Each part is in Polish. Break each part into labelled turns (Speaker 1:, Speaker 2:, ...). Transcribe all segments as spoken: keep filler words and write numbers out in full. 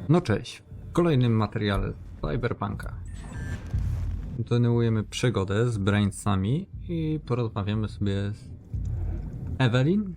Speaker 1: No cześć, w kolejnym materiale Cyberpunka kontynuujemy przygodę z Brainsami i porozmawiamy sobie z Evelyn.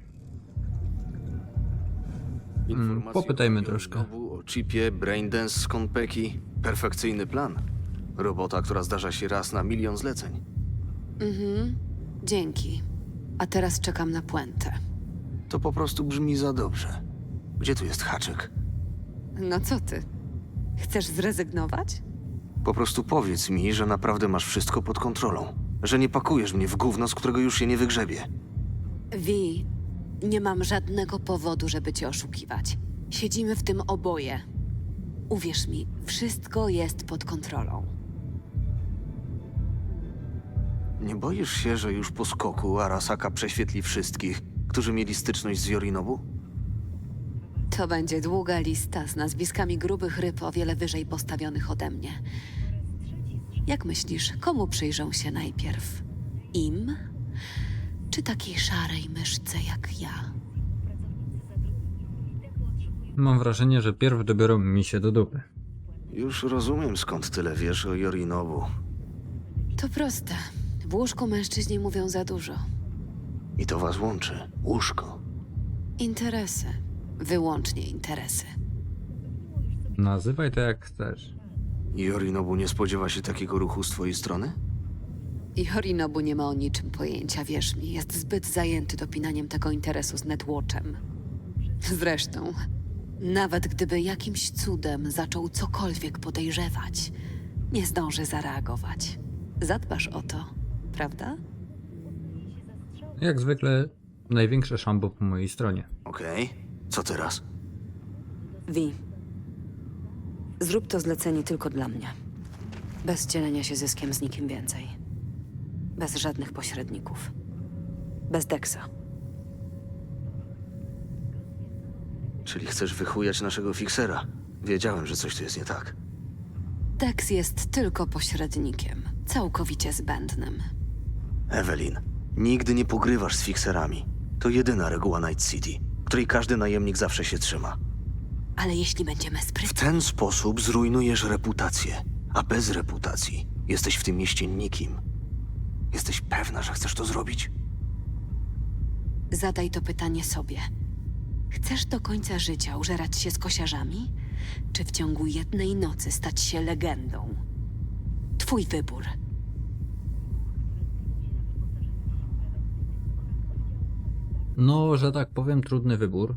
Speaker 1: Mm, popytajmy troszkę.
Speaker 2: O chipie Braindance z Konpeki. Perfekcyjny plan. Robota, która zdarza się raz na milion zleceń.
Speaker 3: Mhm, dzięki. A teraz czekam na puentę.
Speaker 2: To po prostu brzmi za dobrze. Gdzie tu jest haczyk?
Speaker 3: No co ty? Chcesz zrezygnować?
Speaker 2: Po prostu powiedz mi, że naprawdę masz wszystko pod kontrolą. Że nie pakujesz mnie w gówno, z którego już się nie wygrzebie.
Speaker 3: Wi, nie mam żadnego powodu, żeby cię oszukiwać. Siedzimy w tym oboje. Uwierz mi, wszystko jest pod kontrolą.
Speaker 2: Nie boisz się, że już po skoku Arasaka prześwietli wszystkich, którzy mieli styczność z Yorinobu?
Speaker 3: To będzie długa lista z nazwiskami grubych ryb o wiele wyżej postawionych ode mnie. Jak myślisz, komu przyjrzą się najpierw? Im? Czy takiej szarej myszce jak ja?
Speaker 1: Mam wrażenie, że pierw dobiorą mi się do dupy.
Speaker 2: Już rozumiem, skąd tyle wiesz o Yorinobu.
Speaker 3: To proste. W łóżku mężczyźni mówią za dużo.
Speaker 2: I to was łączy. Łóżko.
Speaker 3: Interesy. Wyłącznie interesy.
Speaker 1: Nazywaj to jak chcesz.
Speaker 2: Yorinobu nie spodziewa się takiego ruchu z twojej strony?
Speaker 3: I Yorinobu nie ma o niczym pojęcia, wierz mi. Jest zbyt zajęty dopinaniem tego interesu z Netwatchem. Zresztą, nawet gdyby jakimś cudem zaczął cokolwiek podejrzewać, nie zdąży zareagować. Zadbasz o to, prawda?
Speaker 1: Jak zwykle największe szambo po mojej stronie.
Speaker 2: Okej. Co teraz?
Speaker 4: Wi, zrób to zlecenie tylko dla mnie. Bez dzielenia się zyskiem z nikim więcej. Bez żadnych pośredników. Bez Dexa.
Speaker 2: Czyli chcesz wychujać naszego fiksera? Wiedziałem, że coś tu jest nie tak.
Speaker 3: Dex jest tylko pośrednikiem, całkowicie zbędnym.
Speaker 2: Evelyn, nigdy nie pogrywasz z fikserami. To jedyna reguła Night City, której każdy najemnik zawsze się trzyma.
Speaker 3: Ale jeśli będziemy
Speaker 2: W
Speaker 3: sprytni...
Speaker 2: ten sposób zrujnujesz reputację, a bez reputacji jesteś w tym mieście nikim. Jesteś pewna, że chcesz to zrobić?
Speaker 3: Zadaj to pytanie sobie. Chcesz do końca życia użerać się z kosiarzami? Czy w ciągu jednej nocy stać się legendą? Twój wybór.
Speaker 1: No, że tak powiem, trudny wybór.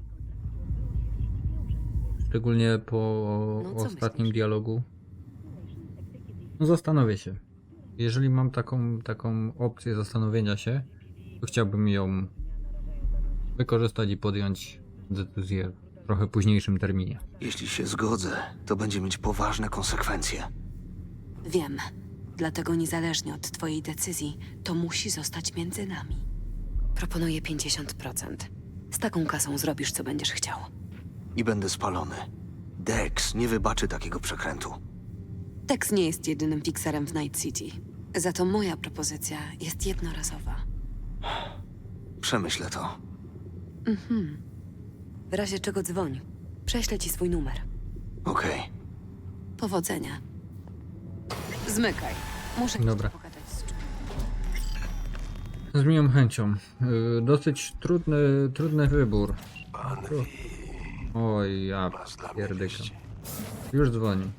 Speaker 1: Szczególnie po
Speaker 4: No, co
Speaker 1: ostatnim
Speaker 4: myślisz?
Speaker 1: dialogu. No, zastanowię się. Jeżeli mam taką, taką opcję zastanowienia się, to chciałbym ją wykorzystać i podjąć decyzję w trochę późniejszym terminie.
Speaker 2: Jeśli się zgodzę, to będzie mieć poważne konsekwencje.
Speaker 3: Wiem. Dlatego niezależnie od twojej decyzji, to musi zostać między nami.
Speaker 4: Proponuję pięćdziesiąt procent. Z taką kasą zrobisz, co będziesz chciał.
Speaker 2: I będę spalony. Dex nie wybaczy takiego przekrętu.
Speaker 3: Dex nie jest jedynym fikserem w Night City. Za to moja propozycja jest jednorazowa.
Speaker 2: Przemyślę to.
Speaker 3: Mhm.
Speaker 4: W razie czego dzwoń. Prześlę ci swój numer.
Speaker 2: Okej.
Speaker 3: Powodzenia. Zmykaj. Muszę
Speaker 1: Dobra.
Speaker 3: jeszcze pogadać z czymś.
Speaker 1: Z miłą chęcią. Yy, dosyć trudny, trudny wybór. Oj, ja pierdykam. Już dzwoni.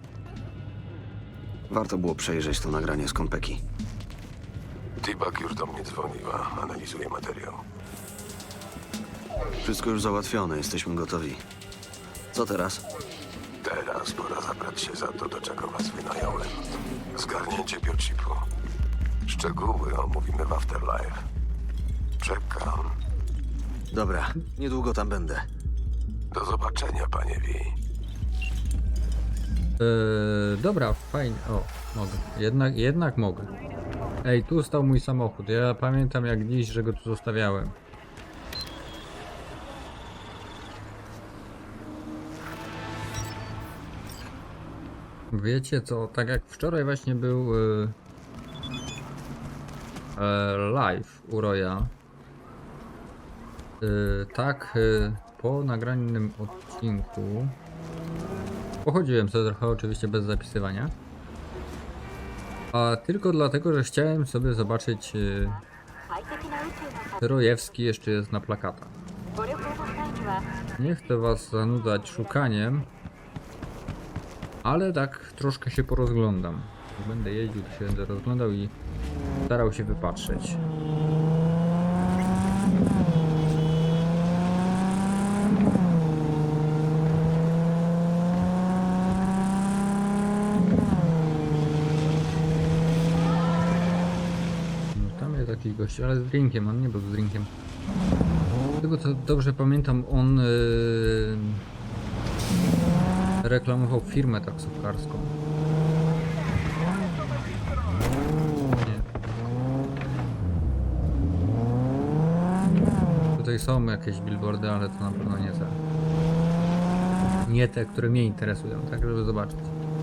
Speaker 2: Warto było przejrzeć to nagranie z Konpeki.
Speaker 5: T-Bag już do mnie dzwoniła. Analizuje materiał.
Speaker 2: Wszystko już załatwione, jesteśmy gotowi. Co teraz?
Speaker 5: Teraz pora zabrać się za to, do czego was wynająłem. Zgarnięcie biochipu. Szczegóły omówimy w Afterlife. Czekam.
Speaker 2: Dobra, niedługo tam będę.
Speaker 5: Do zobaczenia, panie V.
Speaker 1: Yy, dobra, fajnie. O, mogę. Jednak, jednak mogę. Ej, tu stał mój samochód. Ja pamiętam jak dziś, że go tu zostawiałem. Wiecie co, tak jak wczoraj właśnie był yy, e, live u Roya, yy, tak yy, po nagranym odcinku Pochodziłem sobie trochę, oczywiście bez zapisywania. A tylko dlatego, że chciałem sobie zobaczyć, yy, czy Rojewski jeszcze jest na plakatach. Nie chcę was zanudzać szukaniem, ale tak troszkę się porozglądam. Jak będę jeździł, to się będę rozglądał i starał się wypatrzeć. No, tam jest jakiś gość, ale z drinkiem, on nie był z drinkiem. Z tego co dobrze pamiętam, on yy, reklamował firmę taksówkarską. Nie. Tutaj są jakieś billboardy, ale to na pewno nie te. Nie te, które mnie interesują, tak żeby zobaczyć.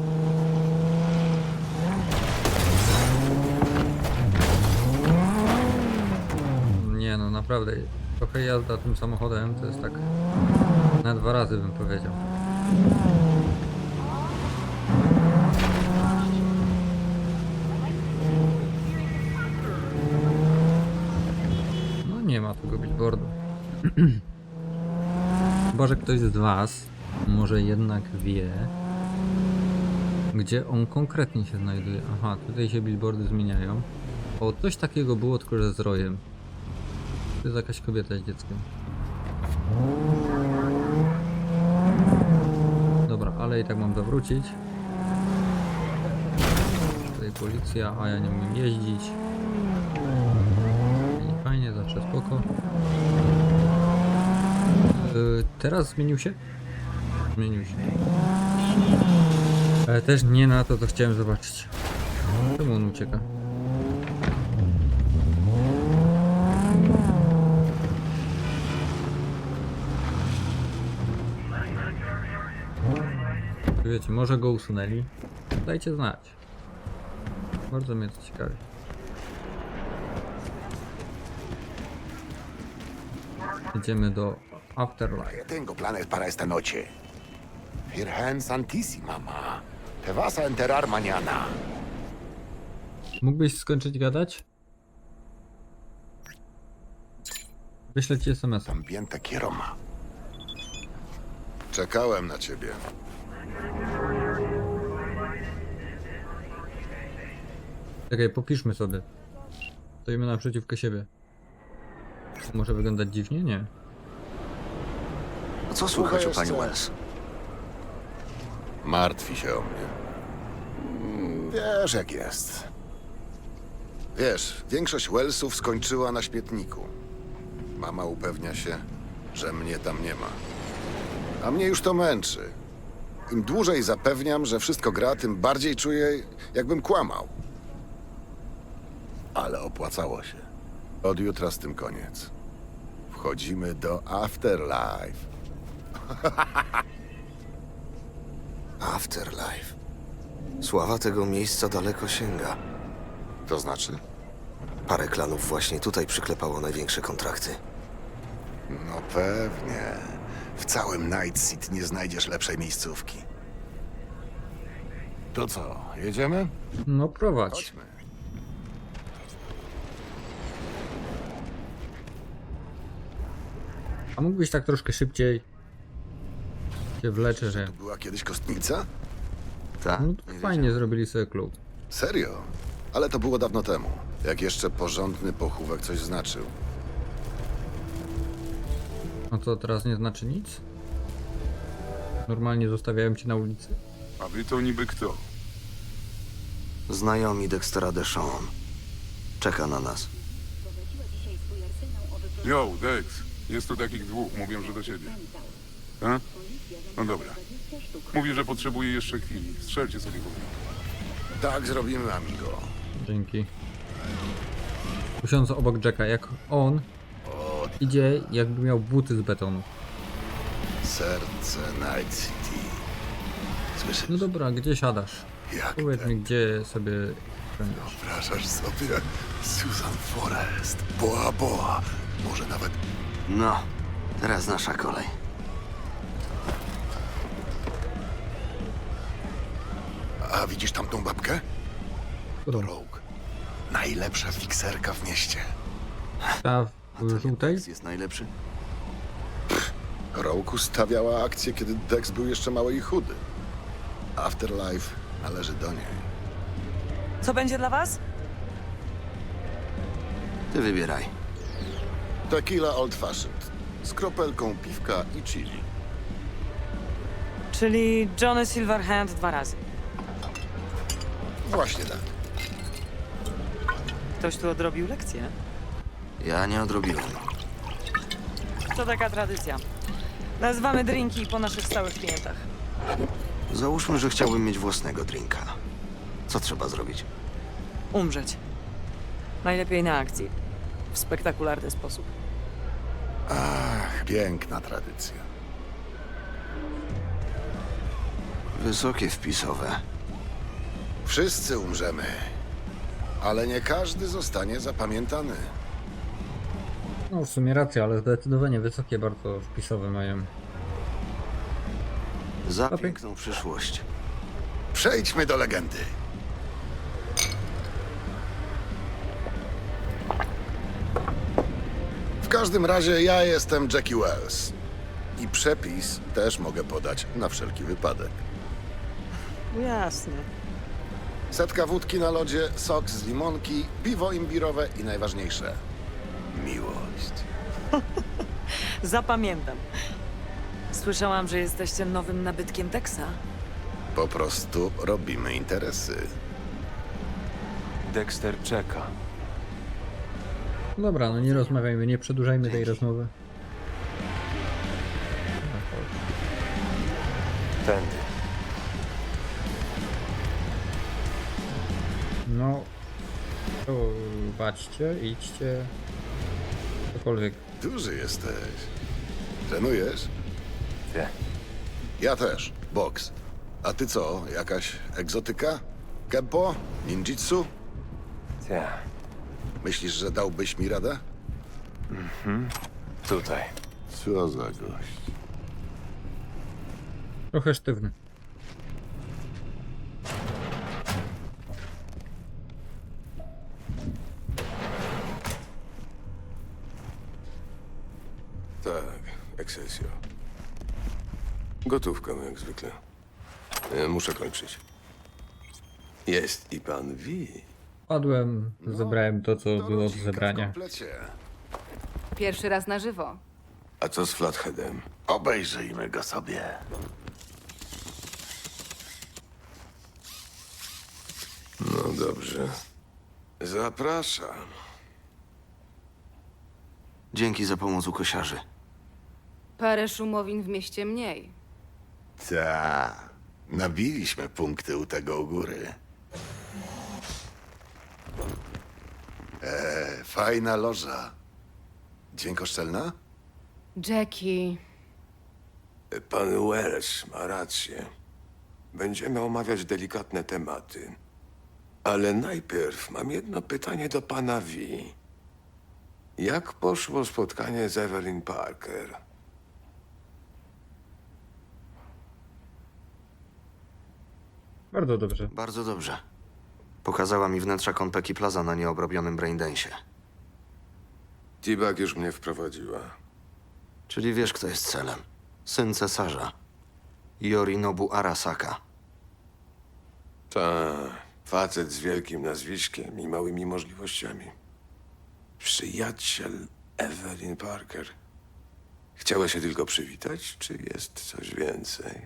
Speaker 1: Nie no, naprawdę. Trochę jazda tym samochodem to jest tak na dwa razy bym powiedział. No nie ma tego billboardu. Chyba że ktoś z was może jednak wie, gdzie on konkretnie się znajduje. Aha, tutaj się billboardy zmieniają. O, coś takiego było, tylko że z rojem. To jest jakaś kobieta z dzieckiem. Dobra, ale i tak mam zawrócić. Tutaj policja, a ja nie umiem jeździć. Fajnie, fajnie, zawsze spoko. Yy, teraz zmienił się? Zmienił się. Ale też nie na to, co chciałem zobaczyć. Czemu on ucieka? Wiecie, może go usunęli? Dajcie znać. Bardzo mnie to ciekawi. Idziemy do Afterlife.
Speaker 6: Tengo planes para esta noche. Virgen Santísima, ma. Te vas a enterar mañana.
Speaker 1: Mógłbyś skończyć gadać? Wyślę ci es em es a.
Speaker 6: También te quiero, ma.
Speaker 5: Czekałem na ciebie.
Speaker 1: Czekaj, popiszmy sobie. Stoimy naprzeciwko siebie. Może wyglądać dziwnie? Nie.
Speaker 2: A co słychać u pani
Speaker 6: jeszcze.
Speaker 2: Wells?
Speaker 5: Martwi się o mnie.
Speaker 6: Wiesz jak jest.
Speaker 5: Wiesz, większość Wellsów skończyła na śmietniku. Mama upewnia się, że mnie tam nie ma. A mnie już to męczy. Im dłużej zapewniam, że wszystko gra, tym bardziej czuję, jakbym kłamał. Ale opłacało się. Od jutra z tym koniec. Wchodzimy do Afterlife.
Speaker 2: Afterlife. Sława tego miejsca daleko sięga.
Speaker 5: To znaczy?
Speaker 2: Parę klanów właśnie tutaj przyklepało największe kontrakty.
Speaker 6: No pewnie. W całym Night City nie znajdziesz lepszej miejscówki. To co, jedziemy?
Speaker 1: No prowadź.
Speaker 5: Chodźmy.
Speaker 1: A mógłbyś tak troszkę szybciej? Się wleczę, że...
Speaker 5: Tu była kiedyś kostnica?
Speaker 2: Tak?
Speaker 1: No to fajnie zrobili sobie klub.
Speaker 5: Serio? Ale to było dawno temu. Jak jeszcze porządny pochówek coś znaczył.
Speaker 1: No to teraz nie znaczy nic? Normalnie zostawiałem cię na ulicy?
Speaker 7: A wy to niby kto?
Speaker 2: Znajomi Dextera Deshawn. Czeka na nas.
Speaker 7: Yo, Dex. Jest tu takich dwóch, mówią, że do ciebie. A? No dobra. Mówi, że potrzebuje jeszcze chwili. Strzelcie sobie w ogóle.
Speaker 5: Tak zrobimy, amigo.
Speaker 1: Dzięki. Usiądź obok Jacka, jak on idzie, jakby miał buty z betonu.
Speaker 5: Serce Night City. Słyszysz?
Speaker 1: No dobra, gdzie siadasz?
Speaker 5: Jak
Speaker 1: Powiedz
Speaker 5: ten
Speaker 1: mi, gdzie sobie będziesz.
Speaker 5: wyobrażasz sobie Susan Forrest, Boa Boa, może nawet...
Speaker 2: No, teraz nasza kolej.
Speaker 5: A widzisz tamtą babkę? To
Speaker 1: Którą?
Speaker 5: Rogue. Najlepsza fikserka w mieście.
Speaker 1: Ta w żółtej?
Speaker 2: Dex jest najlepszy?
Speaker 5: Rogue ustawiała akcję, kiedy Dex był jeszcze mały i chudy. Afterlife należy do niej.
Speaker 4: Co będzie dla was?
Speaker 2: Ty wybieraj.
Speaker 5: Tequila Old Fashioned. Z kropelką piwka i chili.
Speaker 4: Czyli Johnny Silverhand dwa razy.
Speaker 5: Właśnie tak.
Speaker 4: Ktoś tu odrobił lekcję?
Speaker 2: Ja nie odrobiłem.
Speaker 4: To taka tradycja. Nazywamy drinki po naszych stałych klientach.
Speaker 2: Załóżmy, że chciałbym mieć własnego drinka. Co trzeba zrobić?
Speaker 4: Umrzeć. Najlepiej na akcji. W spektakularny sposób.
Speaker 5: Ach, piękna tradycja.
Speaker 2: Wysokie wpisowe.
Speaker 5: Wszyscy umrzemy. Ale nie każdy zostanie zapamiętany.
Speaker 1: No w sumie racja, ale zdecydowanie wysokie bardzo wpisowe mają.
Speaker 2: Za
Speaker 1: Okej.
Speaker 2: piękną przyszłość.
Speaker 5: Przejdźmy do legendy. W każdym razie ja jestem Jackie Wells. I przepis też mogę podać na wszelki wypadek.
Speaker 4: Jasne.
Speaker 5: Setka wódki na lodzie, sok z limonki, piwo imbirowe i najważniejsze – miłość.
Speaker 4: Zapamiętam. Słyszałam, że jesteście nowym nabytkiem Texa.
Speaker 5: Po prostu robimy interesy.
Speaker 8: Dexter czeka.
Speaker 1: Dobra, no nie rozmawiajmy, nie przedłużajmy tej rozmowy.
Speaker 8: Tędy.
Speaker 1: No, to baczcie, idźcie, cokolwiek.
Speaker 5: Duży jesteś. Trenujesz?
Speaker 8: Wie.
Speaker 5: Ja też. Boks. A ty co? Jakaś egzotyka? Kempo? Ninjitsu?
Speaker 8: Wie.
Speaker 5: Myślisz, że dałbyś mi radę?
Speaker 8: Tutaj.
Speaker 5: Co za gość.
Speaker 1: Trochę sztywny.
Speaker 9: Tak, Excelsior. Gotówka, no jak zwykle. E, Muszę kończyć. Jest i pan V.
Speaker 1: Padłem, zebrałem to, co
Speaker 5: To
Speaker 1: było do
Speaker 5: rodzinka w
Speaker 1: zebrania.
Speaker 5: komplecie.
Speaker 10: Pierwszy raz na żywo.
Speaker 9: A co z Flatheadem?
Speaker 5: Obejrzyjmy go sobie.
Speaker 9: No dobrze. Zapraszam.
Speaker 2: Dzięki za pomoc u kosiarzy.
Speaker 10: Parę szumowin w mieście mniej.
Speaker 5: Ta. Nabiliśmy punkty u tego u góry. E, fajna loża. Dźwiękoszczelna?
Speaker 10: Jackie,
Speaker 9: Pan Wells ma rację. Będziemy omawiać delikatne tematy. Ale najpierw mam jedno pytanie do pana V. Jak poszło spotkanie z Evelyn Parker?
Speaker 1: Bardzo dobrze.
Speaker 2: Bardzo dobrze. Pokazała mi wnętrza Konpeki Plaza na nieobrobionym braindensie.
Speaker 9: T-Bag już mnie wprowadziła.
Speaker 2: Czyli wiesz, kto jest celem. Syn cesarza. Yorinobu Arasaka.
Speaker 9: Ta, facet z wielkim nazwiskiem i małymi możliwościami. Przyjaciel Evelyn Parker. Chciała się tylko przywitać, czy jest coś więcej?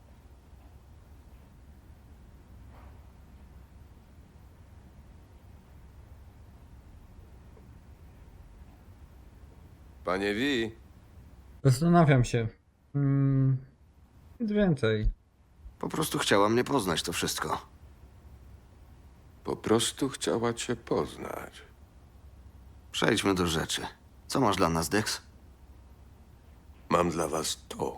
Speaker 9: Panie V,
Speaker 1: Zastanawiam się. Hmm, nic więcej.
Speaker 2: Po prostu chciała mnie poznać, to wszystko.
Speaker 9: po prostu chciała cię poznać.
Speaker 2: Przejdźmy do rzeczy. Co masz dla nas, Dex?
Speaker 9: Mam dla was to.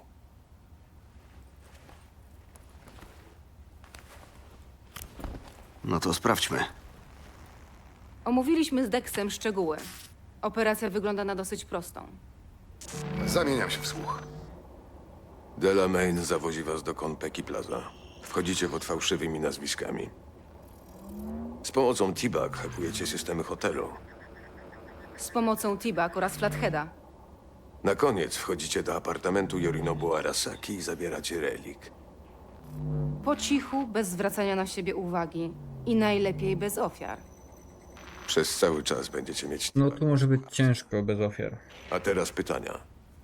Speaker 2: No to sprawdźmy.
Speaker 10: omówiliśmy z Dexem szczegóły. Operacja wygląda na dosyć prostą.
Speaker 5: Zamieniam się w słuch.
Speaker 9: Delamain zawozi was do Konpeki Plaza. Wchodzicie pod fałszywymi nazwiskami. Z pomocą T-Bag hakujecie systemy hotelu.
Speaker 10: Z pomocą T-Bag oraz Flatheada.
Speaker 9: Na koniec wchodzicie do apartamentu Yorinobu Arasaki i zabieracie relik.
Speaker 10: Po cichu, bez zwracania na siebie uwagi. I najlepiej bez ofiar.
Speaker 9: Przez cały czas będziecie mieć
Speaker 1: No
Speaker 9: T-Bag.
Speaker 1: tu może być ciężko bez ofiar.
Speaker 9: A teraz pytania.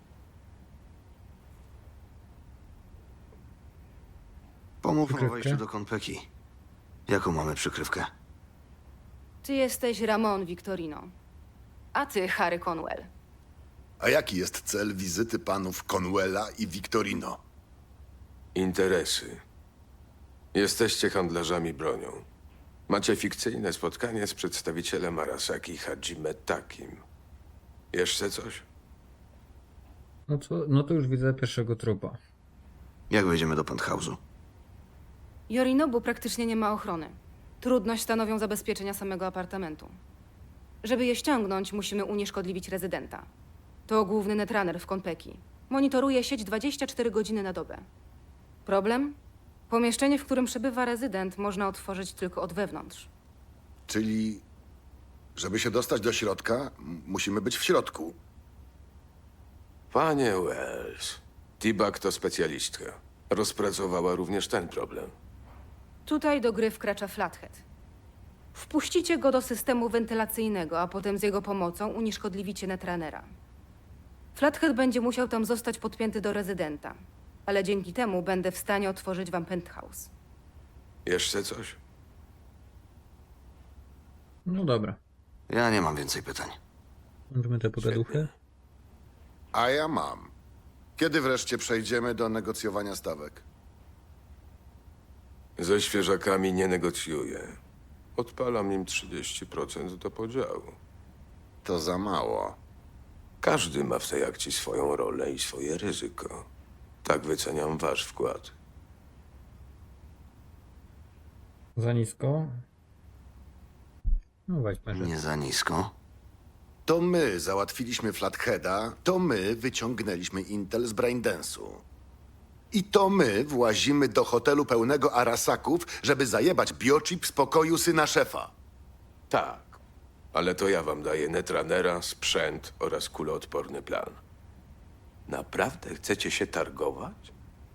Speaker 2: Pomówmy o
Speaker 1: Przykrywkę?
Speaker 2: wejściu do Konpeki. Jaką mamy przykrywkę?
Speaker 10: Ty jesteś Ramon Victorino. A ty Harry Conwell.
Speaker 5: A jaki jest cel wizyty panów Conwella i Victorino?
Speaker 9: Interesy. Jesteście handlarzami bronią. Macie fikcyjne spotkanie z przedstawicielem Arasaki Hajime Takim. Jeszcze coś?
Speaker 1: No, co, no to już widzę pierwszego trupa.
Speaker 2: Jak wejdziemy do penthouse'u?
Speaker 10: Yorinobu praktycznie nie ma ochrony. Trudność stanowią zabezpieczenia samego apartamentu. Żeby je ściągnąć, musimy unieszkodliwić rezydenta. To główny netrunner w Konpeki. Monitoruje sieć dwadzieścia cztery godziny na dobę. Problem? Pomieszczenie, w którym przebywa rezydent, można otworzyć tylko od wewnątrz.
Speaker 5: Czyli, żeby się dostać do środka, m- musimy być w środku.
Speaker 9: Panie Wells, T-Bag to specjalistka. Rozpracowała również ten problem.
Speaker 10: Tutaj do gry wkracza Flathead. Wpuścicie go do systemu wentylacyjnego, a potem z jego pomocą unieszkodliwicie netrunnera. Flathead będzie musiał tam zostać podpięty do rezydenta, ale dzięki temu będę w stanie otworzyć wam penthouse.
Speaker 9: Jeszcze coś?
Speaker 1: No dobra.
Speaker 2: Ja nie mam więcej pytań.
Speaker 1: Możemy te pogaduchy.
Speaker 5: A ja mam. Kiedy wreszcie przejdziemy do negocjowania stawek?
Speaker 9: Ze świeżakami nie negocjuję. Odpalam im trzydzieści procent do podziału.
Speaker 5: To za mało.
Speaker 9: Każdy ma w tej akcji swoją rolę i swoje ryzyko. Tak wyceniam wasz wkład.
Speaker 1: Za nisko. No weźmy, że...
Speaker 2: Nie za nisko.
Speaker 5: To my załatwiliśmy Flatheada, to my wyciągnęliśmy Intel z Braindance'u. I to my włazimy do hotelu pełnego Arasaków, żeby zajebać biochip z pokoju syna szefa.
Speaker 9: Tak, ale to ja wam daję netrunnera, sprzęt oraz kuloodporny plan. Naprawdę chcecie się targować?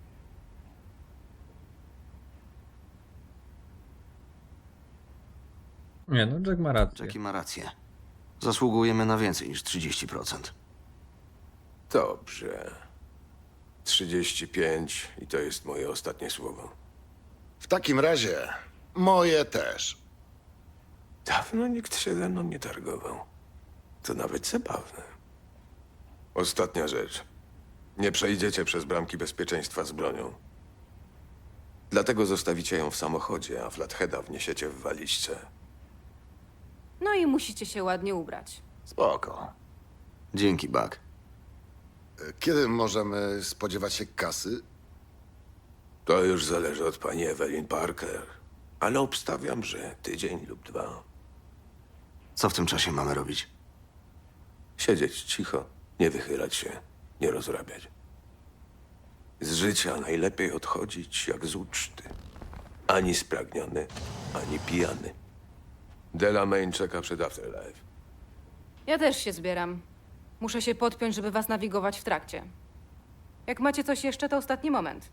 Speaker 1: Nie, no Jack ma rację.
Speaker 2: Jackie ma rację. Zasługujemy na więcej niż trzydzieści procent.
Speaker 9: Dobrze. trzydzieści pięć i to jest moje ostatnie słowo.
Speaker 5: W takim razie moje też.
Speaker 9: Dawno nikt się ze mną nie targował. To nawet zabawne. Ostatnia rzecz. Nie przejdziecie przez bramki bezpieczeństwa z bronią. Dlatego zostawicie ją w samochodzie, a Flatheada wniesiecie w walizce.
Speaker 10: No i musicie się ładnie ubrać.
Speaker 5: Spoko.
Speaker 2: Dzięki, Buck.
Speaker 5: Kiedy możemy spodziewać się kasy?
Speaker 9: To już zależy od pani Evelyn Parker. Ale obstawiam, że tydzień lub dwa.
Speaker 2: Co w tym czasie mamy robić?
Speaker 9: Siedzieć cicho, nie wychylać się, nie rozrabiać. Z życia najlepiej odchodzić jak z uczty. Ani spragniony, ani pijany. Delamain czeka przed Afterlife.
Speaker 10: Ja też się zbieram. Muszę się podpiąć, żeby was nawigować w trakcie. Jak macie coś jeszcze, to ostatni moment.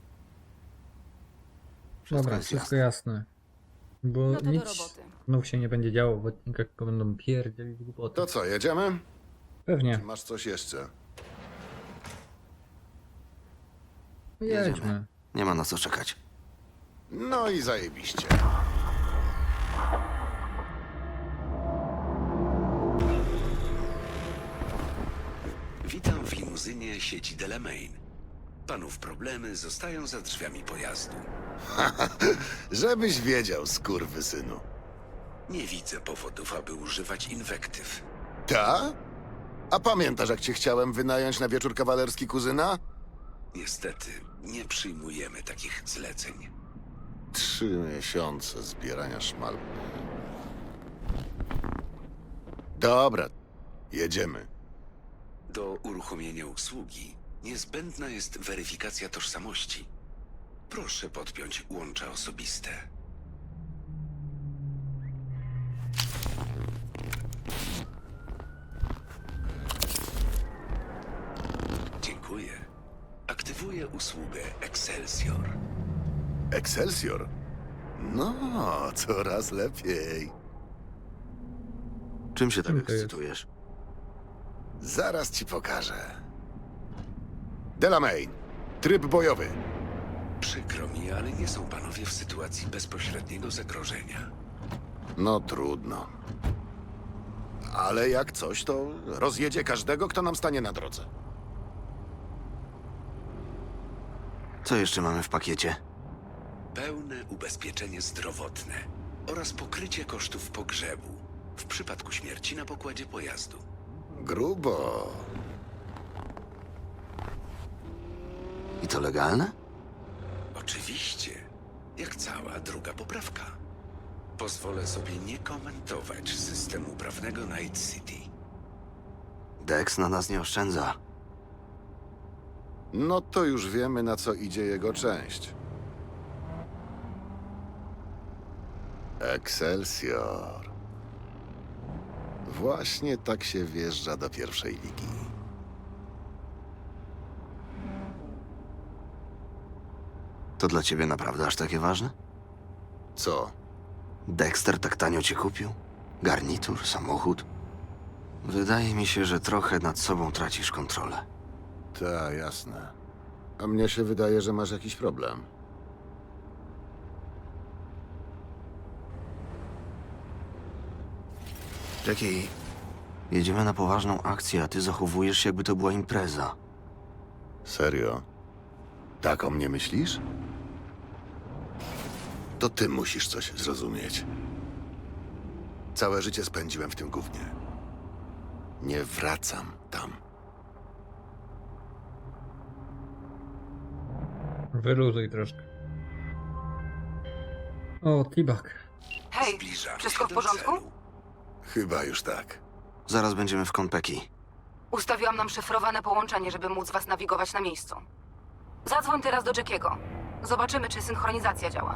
Speaker 1: Dobra,
Speaker 2: jest
Speaker 1: wszystko
Speaker 2: jasne.
Speaker 1: jasne. Bo
Speaker 10: No to do
Speaker 1: nic
Speaker 10: roboty.
Speaker 1: znów się nie będzie działo w odcinkach, tylko będą pierdzielić głupoty.
Speaker 5: To co, jedziemy?
Speaker 1: Pewnie.
Speaker 5: Czy masz coś jeszcze?
Speaker 1: Jedźmy.
Speaker 2: Nie ma na co czekać.
Speaker 5: No i zajebiście.
Speaker 11: Witam w limuzynie sieci Delamain. Panów problemy zostają za drzwiami pojazdu.
Speaker 5: Żebyś wiedział, skurwysynu.
Speaker 11: Nie widzę powodów, aby używać inwektyw.
Speaker 5: Ta? A pamiętasz, jak cię chciałem wynająć na wieczór kawalerski kuzyna?
Speaker 11: Niestety, nie przyjmujemy takich zleceń.
Speaker 5: Trzy miesiące zbierania szmal. Dobra, jedziemy.
Speaker 11: Do uruchomienia usługi niezbędna jest weryfikacja tożsamości. Proszę podpiąć łącza osobiste. Dziękuję. Aktywuję usługę Excelsior.
Speaker 5: Excelsior? No, coraz lepiej.
Speaker 2: Czym się tak
Speaker 1: Czym to jest?
Speaker 2: ekscytujesz?
Speaker 5: Zaraz ci pokażę. Delamain, tryb bojowy.
Speaker 11: Przykro mi, ale nie są panowie w sytuacji bezpośredniego zagrożenia.
Speaker 5: No trudno. Ale jak coś, to rozjedzie każdego, kto nam stanie na drodze.
Speaker 2: Co jeszcze mamy w pakiecie?
Speaker 11: Pełne ubezpieczenie zdrowotne oraz pokrycie kosztów pogrzebu w przypadku śmierci na pokładzie pojazdu.
Speaker 5: Grubo.
Speaker 2: I to legalne?
Speaker 11: Oczywiście, jak cała druga poprawka. Pozwolę sobie nie komentować systemu prawnego Night City.
Speaker 2: Dex na nas nie oszczędza.
Speaker 5: No to już wiemy, na co idzie jego część. Excelsior. Właśnie tak się wjeżdża do pierwszej ligi.
Speaker 2: To dla ciebie naprawdę aż takie ważne?
Speaker 5: Co?
Speaker 2: Dexter tak tanio cię kupił? Garnitur, samochód? Wydaje mi się, że trochę nad sobą tracisz kontrolę.
Speaker 5: Ta, jasne. A mnie się wydaje, że masz jakiś problem.
Speaker 2: Jackie, jedziemy na poważną akcję, a ty zachowujesz się, jakby to była impreza.
Speaker 5: Serio? Tak o mnie myślisz? To ty musisz coś zrozumieć. Całe życie spędziłem w tym gównie. Nie wracam tam.
Speaker 1: Wyluzuj troszkę. O, T-Bag.
Speaker 4: Hej,
Speaker 11: Zbliżamy
Speaker 4: wszystko
Speaker 11: się
Speaker 4: w
Speaker 11: do
Speaker 4: porządku?
Speaker 11: celu.
Speaker 5: Chyba już tak.
Speaker 2: Zaraz będziemy w Konpeki.
Speaker 10: Ustawiłam nam szyfrowane połączenie, żeby móc was nawigować na miejscu. Zadzwoń teraz do Jackiego. Zobaczymy, czy synchronizacja działa.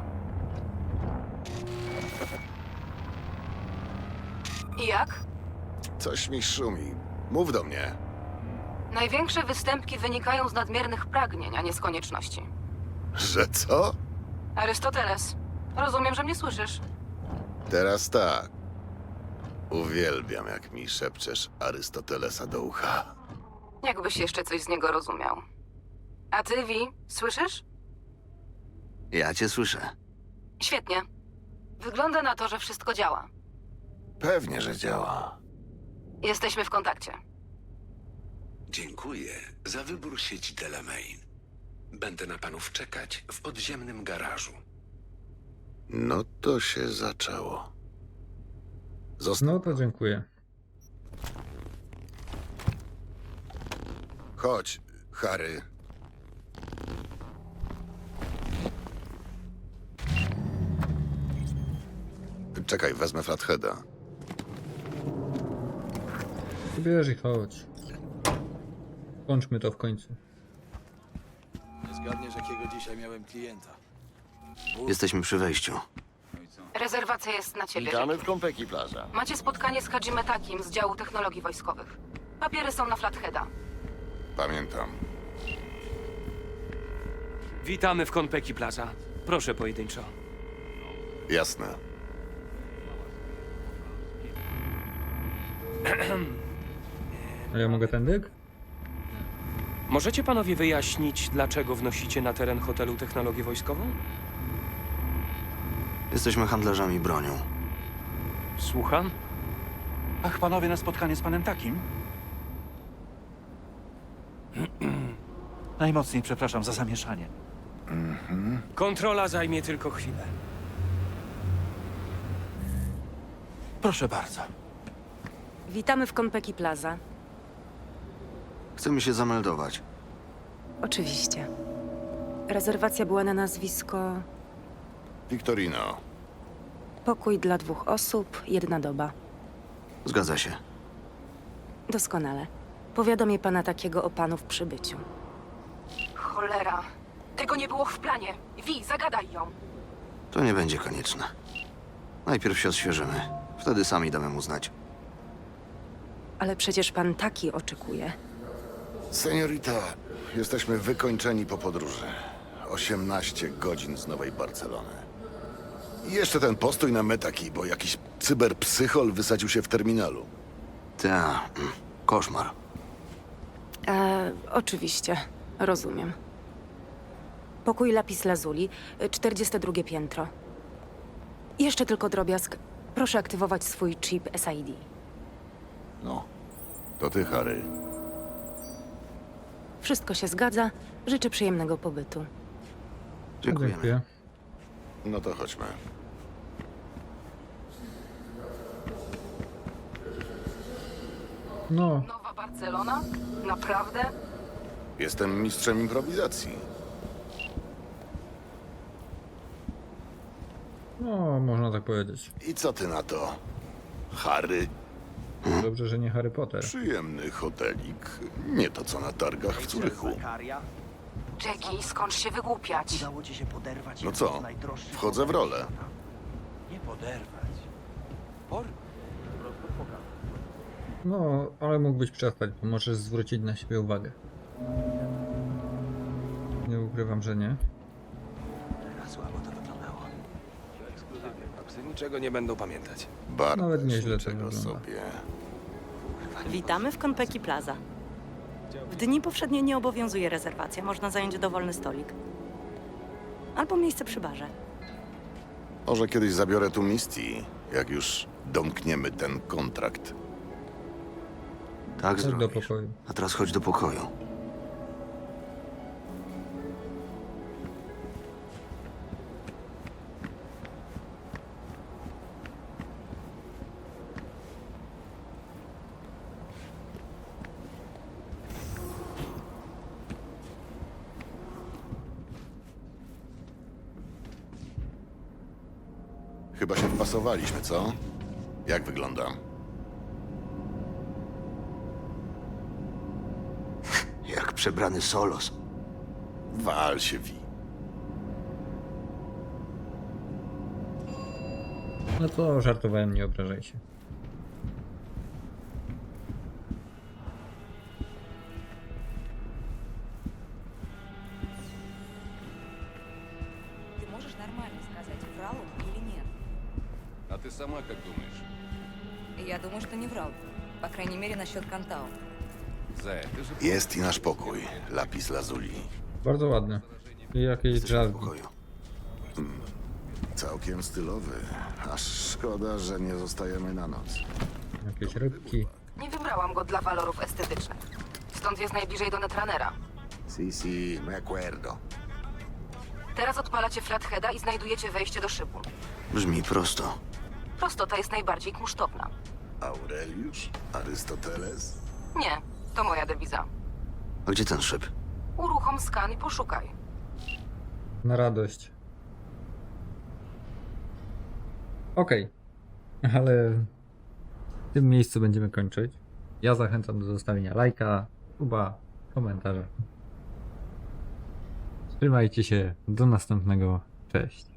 Speaker 10: I jak?
Speaker 5: Coś mi szumi. Mów do mnie.
Speaker 10: Największe występki wynikają z nadmiernych pragnień, a nie z konieczności.
Speaker 5: Że co?
Speaker 10: Arystoteles, rozumiem, że mnie słyszysz.
Speaker 5: Teraz tak. Uwielbiam, jak mi szepczesz Arystotelesa do ucha.
Speaker 10: Jakbyś jeszcze coś z niego rozumiał. A ty, Vi, słyszysz?
Speaker 2: Ja cię słyszę.
Speaker 10: Świetnie. Wygląda na to, że wszystko działa.
Speaker 5: Pewnie, że działa.
Speaker 10: Jesteśmy w kontakcie.
Speaker 11: Dziękuję za wybór sieci Delamain. Będę na panów czekać w podziemnym garażu.
Speaker 5: No to się zaczęło. Zostań.
Speaker 1: No to dziękuję.
Speaker 5: Chodź, Harry. Czekaj, wezmę Flatheada.
Speaker 1: Bierz i chodź. Kończmy to w końcu.
Speaker 12: Nie zgadniesz, jakiego dzisiaj miałem klienta.
Speaker 2: Jesteśmy przy wejściu.
Speaker 10: Rezerwacja jest na ciebie.
Speaker 12: Witamy w Konpeki Plaza.
Speaker 10: Macie spotkanie z Hajime Takim z działu technologii wojskowych. Papiery są na Flatheada.
Speaker 5: Pamiętam.
Speaker 13: Witamy w Konpeki Plaza. Proszę pojedynczo.
Speaker 5: Jasne.
Speaker 1: A ja mogę tędy?
Speaker 13: Możecie panowie wyjaśnić, dlaczego wnosicie na teren hotelu technologię wojskową?
Speaker 2: Jesteśmy handlarzami bronią.
Speaker 13: Słucham?
Speaker 12: Ach, panowie na spotkanie z panem Takim? Najmocniej przepraszam za zamieszanie.
Speaker 13: Kontrola zajmie tylko chwilę.
Speaker 12: Proszę bardzo.
Speaker 4: Witamy w Konpeki Plaza.
Speaker 2: Chcemy się zameldować.
Speaker 4: Oczywiście. Rezerwacja była na nazwisko
Speaker 5: Victorino.
Speaker 4: pokój dla dwóch osób, jedna doba.
Speaker 2: Zgadza się.
Speaker 4: Doskonale. Powiadomię pana takiego o panu w przybyciu.
Speaker 10: Cholera. Tego nie było w planie. Wi, zagadaj ją.
Speaker 2: To nie będzie konieczne. Najpierw się odświeżymy. Wtedy sami damy mu znać.
Speaker 4: Ale przecież pan taki oczekuje.
Speaker 5: Seniorita, jesteśmy wykończeni po podróży. osiemnaście godzin z Nowej Barcelony. I jeszcze ten postój na metaki, bo jakiś cyberpsychol wysadził się w terminalu.
Speaker 2: Ta, mm, koszmar.
Speaker 4: E, oczywiście, rozumiem. Pokój Lapis Lazuli, czterdzieste drugie piętro. Jeszcze tylko drobiazg. Proszę aktywować swój chip S I D.
Speaker 5: No, to ty, Harry.
Speaker 4: Wszystko się zgadza. Życzę przyjemnego pobytu.
Speaker 2: Dziękujemy.
Speaker 1: Dziękuję.
Speaker 5: No to chodźmy.
Speaker 1: No,
Speaker 10: Nowa Barcelona? Naprawdę?
Speaker 5: Jestem mistrzem improwizacji.
Speaker 1: no, można tak powiedzieć.
Speaker 5: I co ty na to, Harry?
Speaker 1: Dobrze, że nie Harry Potter.
Speaker 5: Przyjemny hotelik. Nie to co na targach w Zurychu.
Speaker 10: Jackie, skąd się wygłupiać?
Speaker 5: No co? Wchodzę w rolę.
Speaker 1: No, ale mógłbyś przestać, bo możesz zwrócić na siebie uwagę. Nie ukrywam, że nie.
Speaker 8: Psy niczego nie będą pamiętać.
Speaker 5: Bardzo
Speaker 1: Nawet nieźle to
Speaker 5: czego
Speaker 1: wygląda.
Speaker 5: sobie.
Speaker 14: Witamy w Konpeki Plaza. W dni powszednie nie obowiązuje rezerwacja, można zająć dowolny stolik. Albo miejsce przy barze.
Speaker 5: Może kiedyś zabiorę tu Misty, jak już domkniemy ten kontrakt.
Speaker 2: Tak
Speaker 1: Chodź do
Speaker 2: zrobisz.
Speaker 1: pokoju.
Speaker 2: A teraz chodź do pokoju.
Speaker 5: Chyba się wpasowaliśmy, co? Jak wygląda?
Speaker 2: Jak przebrany Solos.
Speaker 5: Wal się, Wi.
Speaker 1: No to żartowałem, nie obrażaj się.
Speaker 14: Ty możesz normalnie сказать, врал он или нет?
Speaker 8: A ty sama jak думаешь?
Speaker 14: Я думаю, что не врал. По крайней мере, насчет Кантау.
Speaker 8: Ze, ty że...
Speaker 5: Jest i nasz pokój. Lapis Lazuli.
Speaker 1: Bardzo ładne. I jakieś
Speaker 2: Jesteśmy w
Speaker 1: drzazgi.
Speaker 2: pokoju.
Speaker 5: Całkiem stylowy. Aż szkoda, że nie zostajemy na noc.
Speaker 1: Jakieś rybki.
Speaker 10: Nie wybrałam go dla walorów estetycznych. Stąd jest najbliżej do Netrunnera.
Speaker 5: Si, si, me acuerdo.
Speaker 10: Teraz odpalacie flatheada i znajdujecie wejście do szybu.
Speaker 2: Brzmi prosto.
Speaker 10: Prostota jest najbardziej kunsztowna.
Speaker 5: Aureliusz? Arystoteles?
Speaker 10: Nie, to moja dewiza.
Speaker 2: A gdzie ten szyb?
Speaker 10: Uruchom skan i poszukaj.
Speaker 1: Na radość. Okej. Ale w tym miejscu będziemy kończyć. Ja zachęcam do zostawienia lajka, suba, komentarza. Trzymajcie się. Do następnego. Cześć.